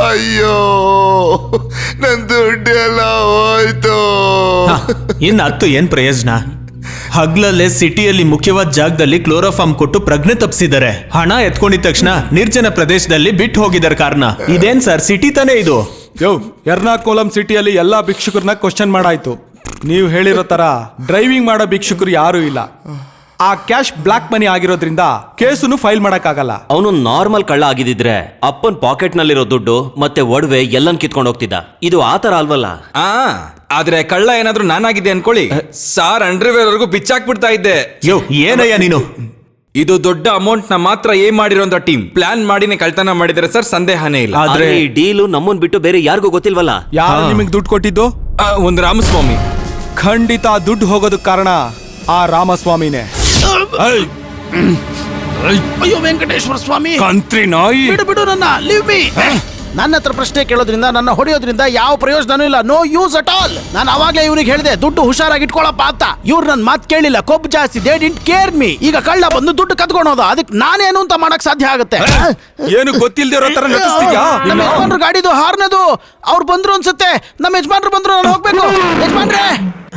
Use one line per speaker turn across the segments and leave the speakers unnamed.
ಅಯ್ಯೋ, ನನ್ ದುಡ್ಡೆಲ್ಲ ಹೋಯ್ತು.
ಇನ್ನು ಹತ್ತು ಏನ್ ಪ್ರಯೋಜನ? ಹಗ್ಲಲ್ಲೇ ಸಿಟಿಯಲ್ಲಿ ಮುಖ್ಯವಾದ ಜಾಗದಲ್ಲಿ ಕ್ಲೋರೋಫಾರ್ಮ್ ಕೊಟ್ಟು ಪ್ರಜ್ಞೆ ತಪ್ಪಿಸಿದ್ದಾರೆ. ಹಣ ಎತ್ಕೊಂಡಿದ ತಕ್ಷಣ ನಿರ್ಜನ ಪ್ರದೇಶದಲ್ಲಿ ಬಿಟ್ಟು ಹೋಗಿದ್ದಾರೆ ಕಾರ್ನ. ಇದೇನ್ ಸರ್, ಸಿಟಿ ತಾನೇ ಇದು?
ಎರ್ನಾಕುಲಂ ಸಿಟಿಯಲ್ಲಿ ಎಲ್ಲಾ ಭಿಕ್ಷುಕರನ್ನ ಕ್ವಶನ್ ಮಾಡಾಯ್ತು. ನೀವು ಹೇಳಿರೋ ತರ ಡ್ರೈವಿಂಗ್ ಮಾಡೋ ಭಿಕ್ಷುಕರು ಯಾರು ಇಲ್ಲ. ಆ ಕ್ಯಾಶ್ ಬ್ಲಾಕ್ ಮನಿ ಆಗಿರೋದ್ರಿಂದ ಕೇಸನ್ನು ಫೈಲ್ ಮಾಡಕ್ಕಾಗಲ್ಲ.
ಅವನು ನಾರ್ಮಲ್ ಕಳ್ಳ ಆಗಿದ್ರೆ ಅಪ್ಪನ್ ಪಾಕೆಟ್ ನಲ್ಲಿರೋ ದುಡ್ಡು ಮತ್ತೆ ಒಡವೆ ಎಲ್ಲನ್ ಕಿತ್ಕೊಂಡು ಹೋಗ್ತಿದ್ದ. ಇದು ಆತರ ಅಲ್ವಲ್ಲ.
ಆದ್ರೆ ಕಳ್ಳ ಏನಾದ್ರೂ ನಾನಾಗಿದ್ದೆ ಅನ್ಕೊಳ್ಳಿ, ಸಾರ್ ಅಂಡರ್ವೇರ್ ವರೆಗೂ ಬಿಚ್ಚಾಕ್ಬಿಡ್ತಾ ಇದ್ದೆ.
ಏನಯ್ಯ ನೀನು?
ಇದು ದೊಡ್ಡ ಅಮೌಂಟ್ ನ ಮಾತ್ರ ಏನ್ ಮಾಡಿರೋಂತ ಟೀಮ್ ಪ್ಲಾನ್ ಮಾಡಿನೇ ಕಳ್ತನ ಮಾಡಿದ್ರೆ ಸರ್, ಸಂದೇಹನೇ ಇಲ್ಲ.
ಆದ್ರೆ ಈ ಡೀಲು ನಮ್ಮನ್ ಬಿಟ್ಟು ಬೇರೆ ಯಾರಿಗೂ ಗೊತ್ತಿಲ್ವಲ್ಲ.
ಯಾರು ನಿಮಗೆ ದುಡ್ಡು ಕೊಟ್ಟಿದ್ದು?
ಒಂದು ರಾಮಸ್ವಾಮಿ.
ಖಂಡಿತ ದುಡ್ಡು ಹೋಗೋದಕ್ಕೆ ಕಾರಣ ಆ ರಾಮಸ್ವಾಮಿನೇ.
ಅಯ್ಯೋ ವೆಂಕಟೇಶ್ವರ ಸ್ವಾಮಿ,
ಕಂತ್ರಿ ನಾಯಿ,
ಬಿಡು ನನ್ನ, ಲೀವ್ ಮೀ. ನನ್ನ ಹತ್ರ ಪ್ರಶ್ನೆ ಕೇಳೋದ್ರಿಂದ, ನನ್ನ ಹೊಡೆಯೋದ್ರಿಂದ ಯಾವ ಪ್ರಯೋಜನನೂ ಇಲ್ಲ. No use at all. ನಾನು ಅವಾಗ್ಲೇ ಇವ್ರಿಗೆ ಹೇಳಿದೆ ದುಡ್ಡು ಹುಷಾರಾಗಿ ಇಟ್ಕೊಳಪ್ಪ ಅಂತ. ಇವ್ರು ನನ್ನ ಮಾತು ಕೇಳಿಲ್ಲ, ಕೊಬ್ಬು ಜಾಸ್ತಿ. They didn't care me. ಈಗ ಕಳ್ಳ ಬಂದು ದುಡ್ಡು ಕತ್ಕೊಳೋದು, ಅದಕ್ಕೆ ನಾನೇನು ಅಂತ ಮಾಡಕ್ ಸಾಧ್ಯ ಆಗುತ್ತೆ?
ಏನು ಗೊತ್ತಿಲ್ದೇ ಇರೋ ತರ ನಟಿಸ್ತೀಯಾ?
ನಮ್ಮ ಯಜಮಾನ್ರು ಗಾಡಿದು ಹಾರ್ನದು. ಅವ್ರು ಬಂದ್ರು ಅನ್ಸುತ್ತೆ. ನಮ್ಮ ಯಜಮಾನ್ರು ಬಂದ್ರು, ನಾನು ಹೋಗ್ಬೇಕು. ಯಜಮಾನ್ರೆ,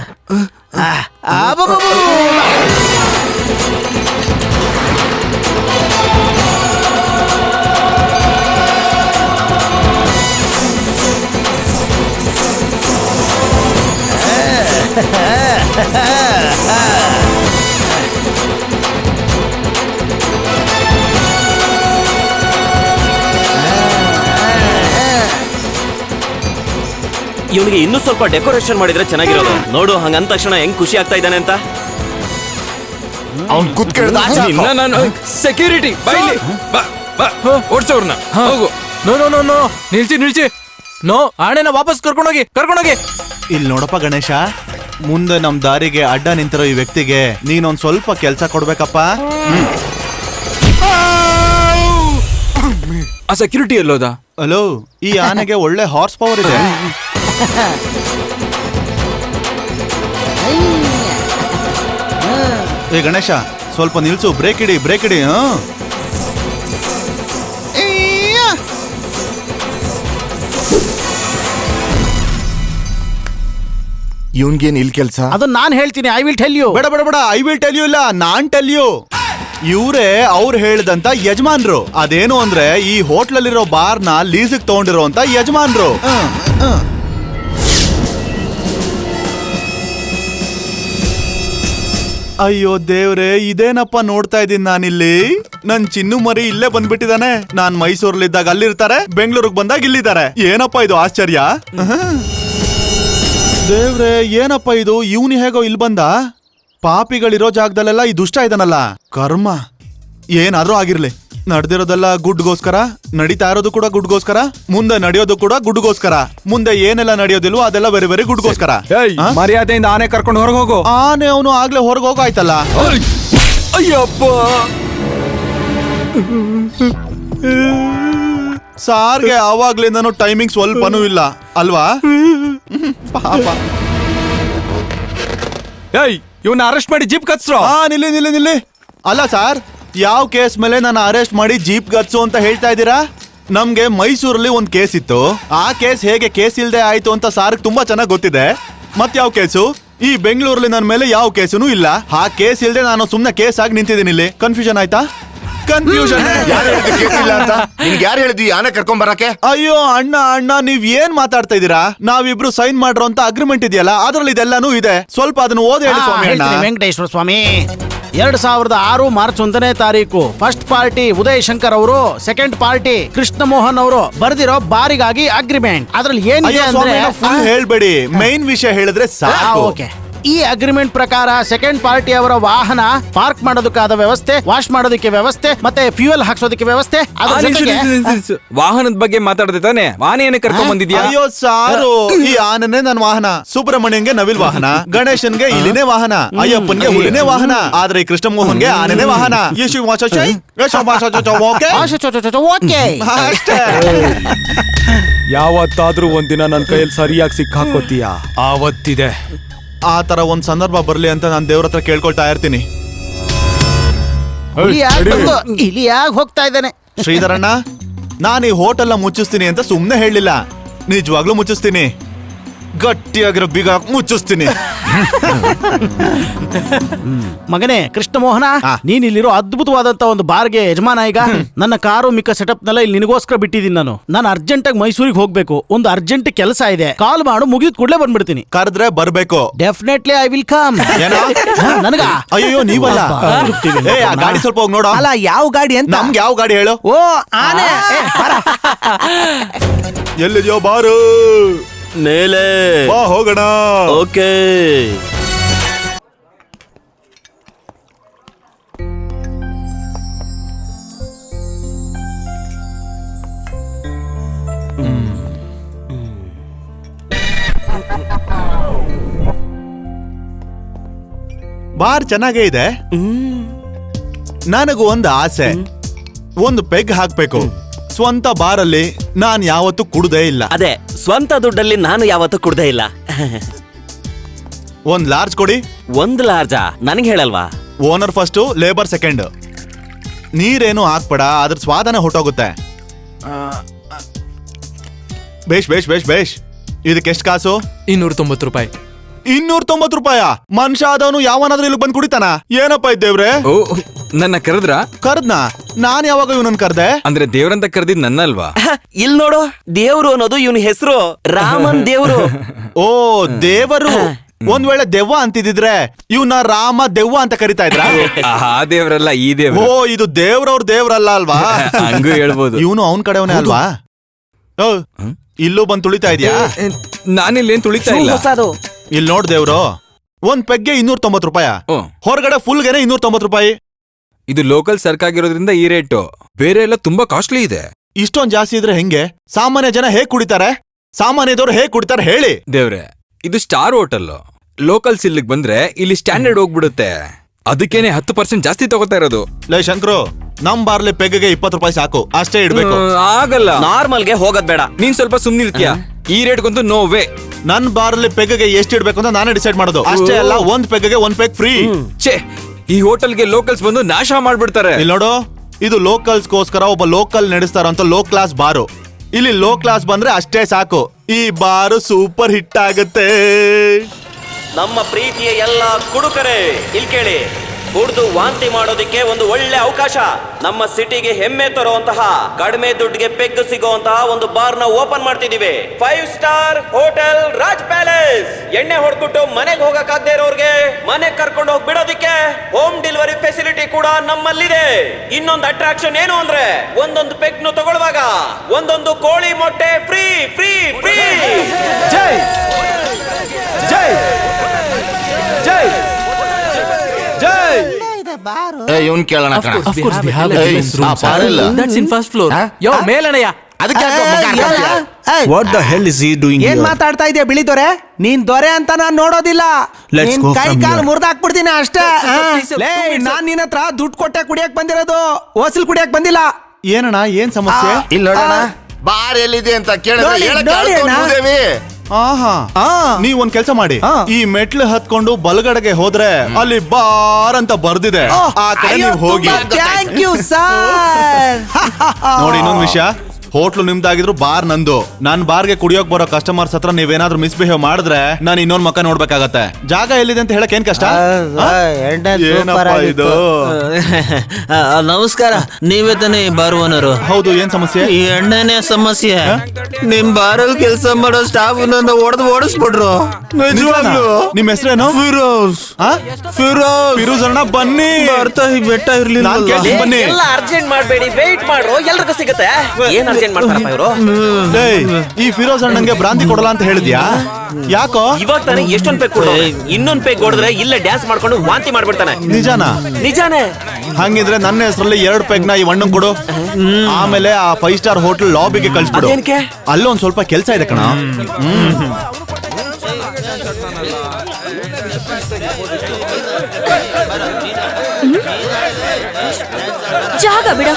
ಇವನಿಗೆ ಇನ್ನೂ ಸ್ವಲ್ಪ ಡೆಕೋರೇಷನ್ ಮಾಡಿದ್ರೆ ಚೆನ್ನಾಗಿರೋದು. ನೋಡು, ಹಂಗಂದ ತಕ್ಷಣ ಹೆಂಗ್ ಖುಷಿ ಆಗ್ತಾ ಇದ್ದಾನೆ ಅಂತ.
ಅವ್ನ್ ಕುತ್ಕೇಳ್ದ
ನಾನು ಸೆಕ್ಯೂರಿಟಿ ಓಡ್ಸೋರ್ನ ಹೋಗು.
ನೋ ನಿಲ್ಸಿ. ನೋ, ಆಣೆನ ವಾಪಸ್ ಕರ್ಕೊಂಡೋಗಿ.
ಇಲ್ಲಿ ನೋಡಪ್ಪ ಗಣೇಶ, ಮುಂದೆ ನಮ್ ದಾರಿಗೆ ಅಡ್ಡ ನಿಂತಿರೋ ಈ ವ್ಯಕ್ತಿಗೆ ನೀನೊಂದ್ ಸ್ವಲ್ಪ ಕೆಲ್ಸ ಕೊಡ್ಬೇಕಪ್ಪ.
ಆ ಸೆಕ್ಯೂರಿಟಿ ಎಲ್ಲೋದ?
ಹಲೋ, ಈ ಆನೆಗೆ ಒಳ್ಳೆ ಹಾರ್ಸ್ ಪವರ್ ಇದೆ. ಏ ಗಣೇಶ, ಸ್ವಲ್ಪ ನಿಲ್ಸು. ಬ್ರೇಕ್ ಇಡಿ.
ಇವನ್ಗೇನ್ ಇಲ್ಲಿ ಕೆಲ್ಸ?
ಅದನ್ನ ನಾನು ಹೇಳ್ತೀನಿ. I will tell you.
ಬೇಡ, ಐ ವಿಲ್ ಟೆಲ್ ಯು ಇಲ್ಲ, ನಾನ್ ಟೆಲ್ ಯು. ಇವ್ರೇ ಅವ್ರು ಹೇಳ್ದಂತ ಯಜಮಾನ್ರು. ಅದೇನು ಅಂದ್ರೆ ಈ ಹೋಟ್ಲಲ್ಲಿರೋ ಬಾರ್ನ ಲೀಸಿಗೆ ತಗೊಂಡಿರೋಂತ ಯಜಮಾನ್ರು. ಅಯ್ಯೋ ದೇವ್ರೆ, ಇದೇನಪ್ಪ ನೋಡ್ತಾ ಇದ್ದೀನಿ ನಾನಿಲ್ಲಿ. ನನ್ ಚಿನ್ನು ಮರಿ ಇಲ್ಲೇ ಬಂದ್ಬಿಟ್ಟಿದಾನೆ. ನಾನ್ ಮೈಸೂರಲ್ಲಿದ್ದಾಗ ಅಲ್ಲಿರ್ತಾರೆ, ಬೆಂಗಳೂರಿಗೆ ಬಂದಾಗ ಇಲ್ಲಿದ್ದಾರೆ. ಏನಪ್ಪ ಇದು ಆಶ್ಚರ್ಯ. ದೇವ್ರೆ, ಏನಪ್ಪ ಇದು? ಇವನು ಹೇಗೋ ಇಲ್ಲಿ ಬಂದ? ಪಾಪಿಗಳಿರೋ ಜಾಗದಲ್ಲೆಲ್ಲ ಈ ದುಷ್ಟ ಇದಾನಲ್ಲ. ಕರ್ಮ ಏನಾದ್ರೂ ಆಗಿರ್ಲಿ. ನಡೆದಿರೋದೆಲ್ಲ ಗುಡ್ಗೋಸ್ಕರ, ನಡೀತಾ ಇರೋದು ಕೂಡ ಗುಡ್ಗೋಸ್ಕರ, ಮುಂದೆ ನಡೆಯೋದು ಕೂಡ ಗುಡ್ಗೋಸ್ಕರ, ಮುಂದೆ ಏನೆಲ್ಲ ನಡೆಯೋದಿಲ್ವೋ ಅದೆಲ್ಲ ಬೇರೆ ಬೇರೆ ಗುಡ್ಗೋಸ್ಕರ.
ಮರ್ಯಾದೆಯಿಂದ ಆನೆ ಕರ್ಕೊಂಡು ಹೊರಗೆ ಹೋಗು.
ಆನೆ ಅವನು ಆಗ್ಲೇ ಹೊರಗೆ ಹೋಗಾಯ್ತಲ್ಲ.
ಅಯ್ಯಪ್ಪ,
ಸಾರ್ಗೆ ಆವಾಗ್ಲಿಂದನೂ ಟೈಮಿಂಗ್ ಸ್ವಲ್ಪನೂ ಇಲ್ಲ ಅಲ್ವಾ? ಪಾಪ.
ಇವನ್ನ ಅರೆಸ್ಟ್ ಮಾಡಿ ಜೀಪ್ ಕತ್ಸ್ರೋ.
ನಿಲ್ಲಿ. ಅಲ್ಲ ಸಾರ್, ಯಾವ ಕೇಸ್ ಮೇಲೆ ನಾನು ಅರೆಸ್ಟ್ ಮಾಡಿ ಜೀಪ್ ಗತ್ಸು ಅಂತ ಹೇಳ್ತಾ ಇದ್ದೀರಾ? ನಮ್ಗೆ ಮೈಸೂರಲ್ಲಿ ಒಂದ್ ಕೇಸ್ ಇತ್ತು. ಆ ಕೇಸ್ ಹೇಗೆ ಕೇಸ್ ಇಲ್ದೆ ಆಯ್ತು ಅಂತ ಸಾರ್ಗೆ ತುಂಬಾ ಚೆನ್ನಾಗಿ ಗೊತ್ತಿದೆ. ಮತ್ ಯಾವ ಕೇಸು? ಈ ಬೆಂಗಳೂರಲ್ಲಿ ನನ್ನ ಮೇಲೆ ಯಾವ ಕೇಸು ಇಲ್ಲ. ಆ ಕೇಸ್ ಇಲ್ದೆ ನಾನು ಸುಮ್ನೆ ಕೇಸ್ ಆಗಿ ನಿಂತಿದ್ದೀನಿ ಇಲ್ಲಿ. ಕನ್ಫ್ಯೂಷನ್ ಆಯ್ತಾ? ಕನ್ಫ್ಯೂಷನ್.
ಯಾರು ಹೇಳಿದ್ವಿ ಆನೆ ಕರ್ಕೊಂಡ್ ಬರಕ್ಕೆ?
ಅಯ್ಯೋ ಅಣ್ಣ, ನೀವ್ ಏನ್ ಮಾತಾಡ್ತಾ ಇದೀರಾ? ನಾವಿಬ್ರು ಸೈನ್ ಮಾಡಿರೋ ಅಂತ ಅಗ್ರಿಮೆಂಟ್ ಇದೆಯಲ್ಲ, ಅದ್ರಲ್ಲಿ ಇದೆಲ್ಲಾನು ಇದೆ. ಸ್ವಲ್ಪ ಅದನ್ನ ಓದಿ ಹೇಳಿ ಸ್ವಾಮಿ.
ವೆಂಕಟೇಶ್ವರ ಸ್ವಾಮಿ, 2006 ಮಾರ್ಚ್ 1ನೇ ತಾರೀಕು ಫಸ್ಟ್ ಪಾರ್ಟಿ ಉದಯ್ ಶಂಕರ್ ಅವರು, ಸೆಕೆಂಡ್ ಪಾರ್ಟಿ ಕೃಷ್ಣ ಮೋಹನ್ ಅವರು ಬರೆದಿರೋ ಬಾರಿಗಾಗಿ ಅಗ್ರಿಮೆಂಟ್. ಅದ್ರಲ್ಲಿ ಏನಿದೆ ಅಂದ್ರೆ,
ಫುಲ್ ಹೇಳ್ಬೇಡಿ, ಮೈನ್ ವಿಷಯ ಹೇಳಿದ್ರೆ ಸಾಕು.
ಓಕೆ. ಈ ಅಗ್ರಿಮೆಂಟ್ ಪ್ರಕಾರ ಸೆಕೆಂಡ್ ಪಾರ್ಟಿ ಅವರ ವಾಹನ ಪಾರ್ಕ್ ಮಾಡೋದಕ್ಕಾದ ವ್ಯವಸ್ಥೆ, ವಾಶ್ ಮಾಡೋದಕ್ಕೆ ವ್ಯವಸ್ಥೆ, ಮತ್ತೆ ಫ್ಯೂಯಲ್ ಹಾಕ್ಸೋದಕ್ಕೆ ವ್ಯವಸ್ಥೆ.
ವಾಹನದ ಬಗ್ಗೆ ಮಾತಾಡದೆ ತಾನೆ? ಆನೆಯನ್ನು ಕರ್ಕೊಂಡ್ ಬಂದಿದ್ಯಾ?
ಅಯ್ಯೋ ಸಾರು, ಈ ಆನೆನೇ ನನ್ನ ವಾಹನ. ಸುಬ್ರಹ್ಮಣ್ಯಂಗೆ ನವಿಲ್ ವಾಹನ, ಗಣೇಶನ್ಗೆ ಇಲಿನೇ ವಾಹನ, ಅಯ್ಯಪ್ಪನ್ಗೆ ಹುಲಿನೇ ವಾಹನ, ಆದ್ರೆ ಈ ಕೃಷ್ಣ ಮೋಹನ್ಗೆ ಆನೆನೇ ವಾಹನ.
ಯಾವತ್ತಾದ್ರೂ ಒಂದಿನ ನನ್ನ ಕೈಯಲ್ಲಿ ಸರಿಯಾಗಿ ಸಿಕ್ಕಾಕೋತೀಯ, ಆವತ್ತಿದೆ.
ಆ ತರ ಒಂದ್ ಸಂದರ್ಭ ಬರ್ಲಿ ಅಂತ ನಾನು ದೇವ್ರ ಹತ್ರ ಕೇಳ್ಕೊಳ್ತಾ ಇರ್ತೀನಿ.
ಇಲಿಯಾಗಿ ಹೋಗ್ತಾ ಇದ್ದಾನೆ.
ಶ್ರೀಧರಣ್ಣ, ನಾನು ಈ ಹೋಟೆಲ್ನ ಮುಚ್ಚಿಸ್ತೀನಿ ಅಂತ ಸುಮ್ನೆ ಹೇಳಿಲ್ಲ, ನಿಜವಾಗ್ಲೂ ಮುಚ್ಚಿಸ್ತೀನಿ. ಗಟ್ಟಿಯಾಗಿರೋ ಬೀಗ ಮುಚ್ಚಿಸ್ತೀನಿ.
ಮಗನೇ ಕೃಷ್ಣಮೋಹನ,
ಆ.
ನೀನ್ ಇಲ್ಲಿರೋ ಅದ್ಭುತವಾದಂತ ಒಂದು ಬಾರ್ಗೆ ಯಜಮಾನ. ಈಗ ನನ್ನ ಕಾರು ಮಿಕ್ಕ ಸೆಟಪ್ ನೆಲ್ಲ ಇಲ್ಲಿ ನಿನಗೋಸ್ಕರ ಬಿಟ್ಟಿದ್ದೀನಿ. ನಾನು ಅರ್ಜೆಂಟ್ ಆಗಿ ಮೈಸೂರಿಗೆ ಹೋಗ್ಬೇಕು, ಒಂದು ಅರ್ಜೆಂಟ್ ಕೆಲಸ ಇದೆ. ಕಾಲ್ ಮಾಡು, ಮುಗಿದ್ ಕೂಡಲೇ ಬಂದ್ಬಿಡ್ತೀನಿ.
ಕರೆದ್ರೆ ಬರ್ಬೇಕು.
Definitely I will come.
ಏನೋ?
ನನಗ
ಅಯ್ಯೋ ನೀವಲ್ಲ. ಏ ಆ ಗಾಡಿ ಸ್ವಲ್ಪ ಹೋಗಿ ನೋಡೋ.
ಅಲ್ಲ ಯಾವ ಗಾಡಿ ಅಂತ?
ನಮ್ಗೆ ಯಾವ ಗಾಡಿ ಹೇಳು?
ಓ ಆನೆ.
ಎಲ್ಲಿದ್ಯೋ ಬಾರು,
ಮೇಲೆ
ಬಾ ಹೋಗೋಣ.
ಓಕೆ.
ಬಾರ್ ಚೆನ್ನಾಗೇ ಇದೆ. ನನಗೂ ಒಂದು ಆಸೆ, ಒಂದು ಪೆಗ್ ಹಾಕ್ಬೇಕು. ಸ್ವಂತ ಬಾರಲ್ಲಿ ನಾನ್ ಯಾವತ್ತೂ ಕುಡ್ದೇ ಇಲ್ಲ.
ಅದೇ ಸ್ವಂತ ದುಡ್ಡಲ್ಲಿ ನಾನು ಯಾವತ್ತೂ ಕುಡ್ದೇ ಇಲ್ಲ.
ಒಂದ್ ಲಾರ್ಜ್ ಕೊಡಿ.
ಒಂದ್ ಲಾರ್ಜಾ? ನನಗೆ ಹೇಳಲ್ವಾ?
Owner first, labour second. ನೀರೇನು ಹಾಕ್ಬೇಡ, ಅದ್ರ ಸ್ವಾದನೆ ಹೊಟ್ಟೋಗುತ್ತೆ. ಬೇಷ್ ಬೇಷ್ ಬೇಷ್ ಬೇಷ್. ಇದಕ್ಕೆ ಎಷ್ಟು ಕಾಸು?
290 ರೂಪಾಯಿ.
290 ರೂಪಾಯ? ಮನುಷ್ಯ ಆದವನು ಯಾವನಾದ್ರೂ ಇಲ್ಲಿ ಬಂದು ಕುಡಿತಾನ? ಏನಪ್ಪ ಇದ್ದೇವ್ರೆ,
ಓ, ನನ್ನ ಕರೆದ್ರ?
ಕರ್ದ್ನಾ? ನಾನ್ ಯಾವಾಗ ಇವನನ್ನ ಕರ್ದೆ?
ಅಂದ್ರೆ ದೇವ್ರಂತ ಕರೆದಿದ್ ನನ್ನಲ್ವಾ?
ಇಲ್ ನೋಡು, ದೇವ್ರು ಅನ್ನೋದು ಇವನ್ ಹೆಸರು, ರಾಮನ್ ದೇವ್ರು.
ಓ ದೇವರು. ಒಂದ್ ವೇಳೆ ದೆವ್ವ ಅಂತಿದ್ರೆ ಇವನ ರಾಮ ದೆವ್ವ ಅಂತ ಕರಿತಾ ಇದ್ರ?
ಆ ದೇವ್ರಲ್ಲ, ಈ
ಓ
ದೇವ್ರು.
ಇದು ದೇವ್ರವ್ರ ದೇವ್ರಲ್ಲ ಅಲ್ವಾ?
ಹಂಗೂ ಹೇಳ್ಬೋದು.
ಇವನು ಅವನ್ ಕಡೆವನೇ ಅಲ್ವಾ? ಓ, ಇಲ್ಲೂ ಬಂದ್ ತುಳಿತಾ ಇದ್ಯಾ?
ನಾನಿಲ್ಲೇನ್ ತುಳಿತಾ ಇಲ್ಲ.
ಹೊಸದು.
ಇಲ್ಲಿ ನೋಡ್ ದೇವ್ರು, ಒಂದ್ ಪೆಗ್ಗೆ 290 ರೂಪಾಯ,
ಓ,
ಹೊರಗಡೆ ಫುಲ್ಗೆನೆ 290 ರೂಪಾಯಿ.
ಇದು ಲೋಕಲ್ ಸರ್ಕಾಗಿರೋದ್ರಿಂದ ಈ ರೇಟು. ಬೇರೆ ಎಲ್ಲ ತುಂಬಾ ಕಾಸ್ಟ್ಲಿ ಇದೆ.
ಇಷ್ಟೊಂದ್ ಜಾಸ್ತಿ ಇದ್ರೆ ಹೆಂಗೆ? ಸಾಮಾನ್ಯ ಜನ ಹೇಗ್ ಕುಡಿತಾರೆ? ಸಾಮಾನ್ಯದವ್ರು ಹೇಗ್ ಕುಡಿತಾರೆ ಹೇಳಿ?
ದೇವ್ರೆ, ಇದು ಸ್ಟಾರ್ ಹೋಟೆಲ್. ಲೋಕಲ್ಸ್ ಇಲ್ಲಿಗೆ ಬಂದ್ರೆ ಇಲ್ಲಿ ಸ್ಟ್ಯಾಂಡರ್ಡ್ ಹೋಗ್ಬಿಡುತ್ತೆ. ಅದಕ್ಕೇನೆ 10% ಜಾಸ್ತಿ ತಗೋತಾ ಇರೋದು.
ಲೈ ಶಂಕ್ರು, ನಮ್ ಬಾರ್ಲಿ ಪೆಗ್ಗೆ 20 ರೂಪಾಯಿ ಸಾಕು, ಅಷ್ಟೇ ಇಡ್ಬೇಕು.
ಆಗಲ್ಲ.
ನಾರ್ಮಲ್ಗೆ ಹೋಗೋದ್ ಬೇಡ.
ನೀನ್ ಸ್ವಲ್ಪ ಸುಮ್ನಿರ್ತೀಯ. ಈ ರೇಟ್ಗಂತೂ ನೋ ವೇ.
ನನ್ ಬಾರ್ಲಿ ಪೆಗ್ಗೆ ಎಷ್ಟು ಇಡ್ಬೇಕು ಅಂತ ನಾನೇ ಡಿಸೈಡ್ ಮಾಡೋದು. ಅಷ್ಟೇ ಅಲ್ಲ, ಒಂದ್ ಪೆಗ್ಗೆ 1 ಪೆಗ್ ಫ್ರೀ.
ಛೇ, ಈ ಹೋಟೆಲ್ಗೆ ಲೋಕಲ್ಸ್ ಬಂದು ನಾಶ ಮಾಡ್ಬಿಡ್ತಾರೆ.
ಇಲ್ಲಿ ನೋಡು, ಇದು ಲೋಕಲ್ಸ್ಗೋಸ್ಕರ ಒಬ್ಬ ಲೋಕಲ್ ನಡೆಸ್ತಾರಂತ ಲೋ ಕ್ಲಾಸ್ ಬಾರು. ಇಲ್ಲಿ ಲೋ ಕ್ಲಾಸ್ ಬಂದ್ರೆ ಅಷ್ಟೇ ಸಾಕು, ಈ ಬಾರು ಸೂಪರ್ ಹಿಟ್ ಆಗತ್ತೆ.
ನಮ್ಮ ಪ್ರೀತಿಯ ಎಲ್ಲ ಕುಡುಕರೇ ಇಲ್ಲಿ ಕೇಳಿ, ಕುಡ್ದು ವಾಂತಿ ಮಾಡೋದಕ್ಕೆ ಒಂದು ಒಳ್ಳೆ ಅವಕಾಶ. ನಮ್ಮ ಸಿಟಿಗೆ ಹೆಮ್ಮೆ ತರುವಂತಹ, ಕಡಿಮೆ ದುಡ್ಡಿಗೆ ಪೆಗ್ ಸಿಗುವಂತಹ ಒಂದು ಬಾರ್ ನ ಓಪನ್ ಮಾಡ್ತಿದೀವಿ. 5 ಸ್ಟಾರ್ ಹೋಟೆಲ್ ರಾಜ್ ಪ್ಯಾಲೇಸ್. ಎಣ್ಣೆ ಹೊಡ್ಬಿಟ್ಟು ಮನೆಗೆ ಹೋಗಕ್ಕಾಗದೇ ಇರೋರ್ಗೆ ಮನೆಗೆ ಕರ್ಕೊಂಡು ಹೋಗಿ ಬಿಡೋದಕ್ಕೆ ಹೋಮ್ ಡೆಲಿವರಿ ಫೆಸಿಲಿಟಿ ಕೂಡ ನಮ್ಮಲ್ಲಿದೆ. ಇನ್ನೊಂದು ಅಟ್ರಾಕ್ಷನ್ ಏನು ಅಂದ್ರೆ, ಒಂದೊಂದು ಪೆಗ್ ನು ತಗೊಳ್ಳುವಾಗ ಒಂದೊಂದು ಕೋಳಿ ಮೊಟ್ಟೆ ಫ್ರೀ ಫ್ರೀ ಫ್ರೀ.
ಜೈ ಜೈ ಜೈ ಜೈ.
ಇವನ್ ಕೇಳೋಣ ಕಣ.
Of course, we have a
Hey,
guest room,
ಆ
sir.
ಪಾರಿಲ್ಲ.
That's in first floor. ಯೋ ಮೇಲಣಯ್ಯ.
ಅದಕ್ಕೆ ಯಾಕೋ ಮುಖ ಹಾಕ್ತೀಯ?
What the hell is he doing
in
here?
ಮಾತಾಡ್ತಾ ಇದೆಯಾ ಬಿಳಿ ದೊರೆ? ನೀನ್ ದೊರೆ ಅಂತ ನಾನ್ ನೋಡೋದಿಲ್ಲ.
Let's
ನಿನ್
go
ಕೈ
from
ಕಾಲು
here.
ಮುರಿದಾಕ್ಬಿಡ್ತೀನಿ ಅಷ್ಟೇ. ಲೇ, ನಾನ್ ನಿನ್ನ ಹತ್ರ ದುಡ್ಡು ಕೊಟ್ಟೆ ಕುಡಿಯಕ್ ಬಂದಿರೋದು, ಓಸಿಲ್ ಕುಡಿಯಕ್ ಬಂದಿಲ್ಲ.
ಏನಣ್ಣ, ಏನ್ ಸಮಸ್ಯೆ?
ಇಲ್ಲಿ ನೋಡೋಣ, ಬಾರ್ ಎಲ್ಲಿದೆ ಅಂತ ಕೇಳಿದ್ರೆ
ನೋಡಿ,
ಹೇಳಕ್ಕೆ
ನೋಡಿ
ಆಳ್ಕೊಂಡು
ಅಣ್ಣ.
ಹೋದೇವಿ.
ಆಹಾ, ನೀವ್ ಒಂದ್ ಕೆಲ್ಸ ಮಾಡಿ, ಈ ಮೆಟ್ಲು ಹತ್ಕೊಂಡು ಬಲಗಡೆಗೆ ಹೋದ್ರೆ ಅಲ್ಲಿ ಬಾರ್ ಅಂತ ಬರ್ದಿದೆ, ಆ ಕಡೆ ನೀವು ಹೋಗಿ.
Thank you sir.
ನೋಡಿ, ಇನ್ನೊಂದ್ ವಿಷಯ, ಹೋಟ್ಲು ನಿಮ್ದಾಗಿದ್ರು ಬಾರ್ ನಂದು. ನನ್ ಬಾರ್ಗೆ ಕುಡಿಯೋಕ್ ಬರೋ ಕಸ್ಟಮರ್ಸ್ ಹತ್ರ ನೀವೇನಾದ್ರೂ ಮಿಸ್ಬಿಹೇವ್ ಮಾಡಿದ್ರೆ ನಾನು ಇನ್ನೊಂದ್ ಮಕ್ಕ ನೋಡ್ಬೇಕಾಗತ್ತೆ. ಜಾಗ ಎಲ್ಲಿದೆ ಅಂತ ಹೇಳಕ್ ಏನ್ ಕಷ್ಟ? ಏನಪ್ಪ ಇದು?
ನಮಸ್ಕಾರ, ನೀವೇ ತಾನೇ ಬಾರ್ ಓನರು?
ಹೌದು, ಏನ್ ಸಮಸ್ಯೆ?
ಈ ಎಣ್ಣೆನೇ ಸಮಸ್ಯೆ. ನಿಮ್ ಬಾರಲ್ಲಿ ಕೆಲಸ ಮಾಡೋ ಸ್ಟಾಫ್ ನನ್ನ ಓಡಿಸ್ಬಿಟ್ರು. ನಿಜವಾಗ್ಲು.
ನಿಮ್ ಹೆಸರೇನು?
ಫಿರೋಜ್.
ಫಿರೋಜ್ ಅಣ್ಣ, ಬನ್ನಿ.
ಬರ್ತಾ ಈ ಬೆಟ್ಟ ಇರ್ಲಿಲ್ಲ.
ನಾನ್ ಕೇಳ್ತೀನಿ, ಬನ್ನಿ.
ಎಲ್ಲ ಅರ್ಜೆಂಟ್ ಮಾಡಬೇಡಿ, ವೇಟ್ ಮಾಡ್ರು, ಎಲ್ರಿಗೂ ಸಿಗುತ್ತೆ. ಏನ್ ಅರ್ಜೆಂಟ್ ಮಾಡ್ತಾರಪ್ಪ ಇವರು?
ಏಯ್, ಈ ಫಿರೋಜ್ ಅಣ್ಣಂಗೆ ಭ್ರಾಂತಿ ಕೊಡಲ್ಲ ಅಂತ ಹೇಳಿದ್ಯಾ? ಯಾಕೋ?
ಇವಾಗ ತಾನೇ ಎಷ್ಟೊಂದ್ ಪೆಗ್ ಕೊಡು, ಇನ್ನೊಂದ್ ಪೆಗ್ ಹೊಡೆದ್ರೆ ಇಲ್ಲೇ ಡ್ಯಾನ್ಸ್ ಮಾಡ್ಕೊಂಡು ವಾಂತಿ ಮಾಡ್ಬಿಡ್ತಾನೆ.
ನಿಜಾನಾ?
ನಿಜಾನೇ.
ಹಂಗಿದ್ರೆ ನನ್ನ ಹೆಸರಲ್ಲಿ 2 ಪೆಗ್ನ ಈ ಅಣ್ಣಂಗ್ ಕೊಡು. ಆಮೇಲೆ ಆ 5 ಸ್ಟಾರ್ ಹೋಟೆಲ್ ಲಾಬಿಗೆ ಕಳ್ಸ್ಬಿಡು.
ಅದೇನ್ಕೆ?
ಅಲ್ಲೊಂದ್ ಸ್ವಲ್ಪ ಕೆಲ್ಸ ಇದೆ ಕಣ.
ಜಾಗ ಬಿಡ.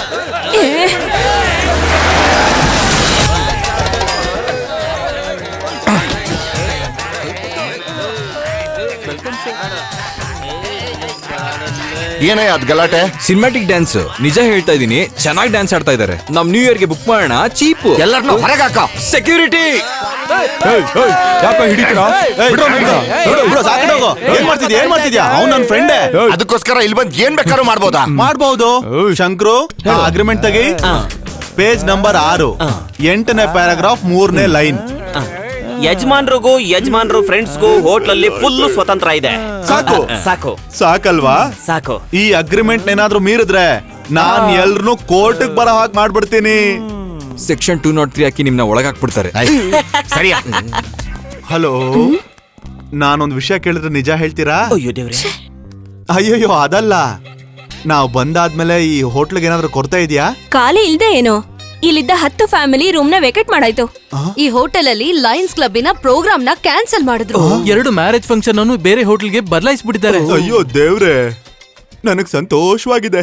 ಏನಯ್ಯ ಅದ್ ಗಲಾಟೆ?
Cinematic dance. ನಿಜ ಹೇಳ್ತಾ ಇದೀನಿ, ಚೆನ್ನಾಗಿ ಡ್ಯಾನ್ಸ್ ಆಡ್ತಾ ಇದಾರೆ. ನಮ್ ನ್ಯೂ ಇಯರ್ ಗೆ ಬುಕ್ ಮಾಡೋಣ, ಚೀಪ್.
ಎಲ್ಲರನ್ನೂ ಹೊರಗೆ ಹಾಕ.
ಸೆಕ್ಯೂರಿಟಿ
ಯಾಕೆ ಹಿಡಿತೀರಾ? ಬಿಡ್ರೋ ನಮ್ನ.
ಏನ್ ಮಾಡ್ತಿದ್ಯಾ ಅವ್ನು ನನ್ನ ಫ್ರೆಂಡೇ.
ಅದಕ್ಕೋಸ್ಕರ ಇಲ್ಲಿ ಬಂದ್ ಏನ್ ಬೇಕಾದ್ರೂ ಮಾಡ್ಬೋದಾ?
ಮಾಡ್ಬಹುದು. ಶಂಕ್ರು, ಅಗ್ರಿಮೆಂಟ್ ತೆಗಿ. ಪೇಜ್ ನಂಬರ್ 6, 8ನೇ ಪ್ಯಾರಾಗ್ರಾಫ್ 3ನೇ ಲೈನ್.
ಯಜಮಾನ್ರಿಗೂ ಯಜಮಾನ್ರು ಫ್ರೆಂಡ್ಸ್ಗೂ ಹೋಟ್ಲಲ್ಲಿ ಫುಲ್ ಸ್ವತಂತ್ರ ಇದೆ.
ಸಾಕು.
ಸಾಕು
ಸಾಕಲ್ವಾ?
ಸಾಕು.
ಈ ಅಗ್ರಿಮೆಂಟ್ ಏನಾದ್ರೂ ಮೀರಿದ್ರೆ ನಾನ್ ಎಲ್ರನ್ನೂ ಕೋರ್ಟ್ ಬರೋ ಹಾಗೆ ಮಾಡ್ಬಿಡ್ತೀನಿ.
ಸೆಕ್ಷನ್ 203 ಹಾಕಿ ನಿಮ್ನ ಒಳಗಾಕ್ಬಿಡ್ತಾರೆ.
ಸರಿಯಾ?
ಹಲೋ, ನಾನೊಂದ್ ವಿಷಯ ಕೇಳಿದ್ರೆ ನಿಜ ಹೇಳ್ತೀರಾ?
ಅಯ್ಯೋ ದೇವ್ರೆ.
ಅಯ್ಯಯ್ಯೋ, ಅದಲ್ಲ. ನಾವು ಬಂದಾದ್ಮೇಲೆ ಈ ಹೋಟ್ಲಿಗೆ ಏನಾದ್ರೂ ಕೊರತೆ ಇದೆಯಾ?
ಖಾಲಿ ಇಲ್ದೆ ಏನೋ. ಇಲ್ಲಿದ್ದ 10 ಫ್ಯಾಮಿಲಿ ರೂಮ್ ನ ವೇಕೆಟ್ ಮಾಡಾಯ್ತು.
ಈ ಹೋಟೆಲ್ ಅಲ್ಲಿ ಲಯನ್ಸ್ ಕ್ಲಬ್ಬಿನ ಪ್ರೋಗ್ರಾಮ್ ನ ಕ್ಯಾನ್ಸಲ್ ಮಾಡಿದ್ರು.
2 ಮ್ಯಾರೇಜ್ ಫಂಕ್ಷನ್ ಅನ್ನು ಬೇರೆ ಹೋಟೆಲ್ಗೆ ಬದಲಾಯಿಸ್ಬಿಟ್ಟಿದ್ದಾರೆ.
ಅಯ್ಯೋ ದೇವ್ರೆ, ನನಗ್ ಸಂತೋಷವಾಗಿದೆ.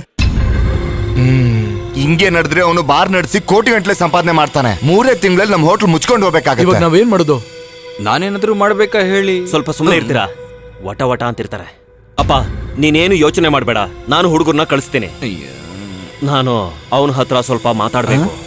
ಹಿಂಗೆ ನಡೆದ್ರೆ ಅವನು ಬಾರ್ ನಡೆಸಿ ಕೋಟಿ ಗಂಟ್ಲೆ ಸಂಪಾದನೆ ಮಾಡ್ತಾನೆ. 3 ತಿಂಗಳಲ್ಲಿ ನಮ್ ಹೋಟ್ಲ್ ಮುಚ್ಕೊಂಡು ಹೋಗ್ಬೇಕಾಗುತ್ತೆ.
ನಾವೇನ್ ಮಾಡೋದು?
ನಾನೇನಾದ್ರೂ ಮಾಡ್ಬೇಕಾ ಹೇಳಿ?
ಸ್ವಲ್ಪ ಸುಮ್ಮನೆ ಇರ್ತೀರಾ? ವಟ ವಟ ಅಂತಿರ್ತಾರೆ. ಅಪ್ಪ, ನೀನೇನು ಯೋಚನೆ ಮಾಡಬೇಡ, ನಾನು ಹುಡುಗರನ್ನ ಕಳಿಸ್ತೀನಿ. ನಾನು ಅವನ ಹತ್ರ ಸ್ವಲ್ಪ ಮಾತಾಡ್ಬೇಕು.